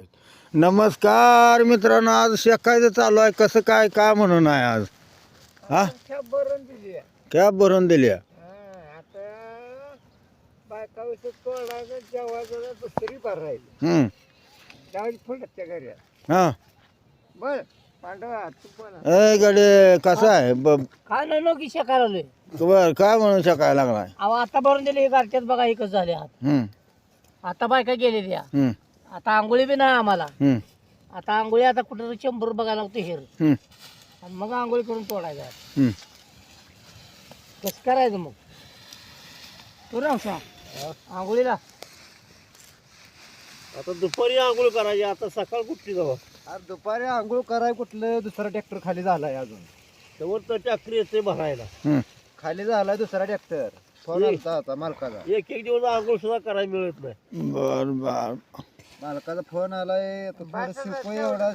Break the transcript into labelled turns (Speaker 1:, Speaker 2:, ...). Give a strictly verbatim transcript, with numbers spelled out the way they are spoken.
Speaker 1: नमस्कार मित्रांनो, आज शेकायचं चालू आहे. कसं काय काय म्हणून आहे आज? हा
Speaker 2: कॅब भरून दिली आहे.
Speaker 1: कॅब भरून दिली आहे.
Speaker 2: हा, आता बायका विषय तोडायचं जेवायचं दुसरी भर राहिली
Speaker 1: हम्म.
Speaker 2: त्यावेळी फुलटच्या घरी
Speaker 1: हा
Speaker 2: बर पांडवा तू पण
Speaker 1: ए गडे कसं आहे ब-
Speaker 2: काय नाही की शेकायला आलोय
Speaker 1: बर काय म्हणून शेकायला लागलाय?
Speaker 2: अहो आता भरून दिली गारठ्यात बघा एकच झाले आत
Speaker 1: हम्म
Speaker 2: आता बायका गेलेली आहे.
Speaker 1: हम्म
Speaker 2: आता आंघोळी बी नाही आम्हाला.
Speaker 1: हम्म
Speaker 2: आता आंघोळी आता कुठं शंभर बघायला लागतो हेर
Speaker 1: हम्म
Speaker 2: आणि मग आंघोळी करून तोडायचं.
Speaker 1: हम्म.
Speaker 2: कसं करायचं मग तू राव आंघोळीला
Speaker 3: आता दुपारी आंघोळ करायची, आता सकाळ कुठली जाऊ?
Speaker 2: अरे दुपारी आंघोळ कराय कुठलं दुसरा ट्रॅक्टर खाली झालाय अजून
Speaker 3: तेव्हा तर ट्रॅक्टर येते भरायला.
Speaker 1: हम्म.
Speaker 2: खाली झालाय दुसरा ट्रॅक्टर फोन आलता आता मालकाचा
Speaker 3: एक एक दिवस आंघोळ सुद्धा करायला मिळत नाही.
Speaker 1: बर बर
Speaker 2: मालकाचा फोन आलाय आता थोडं शिवको एवढा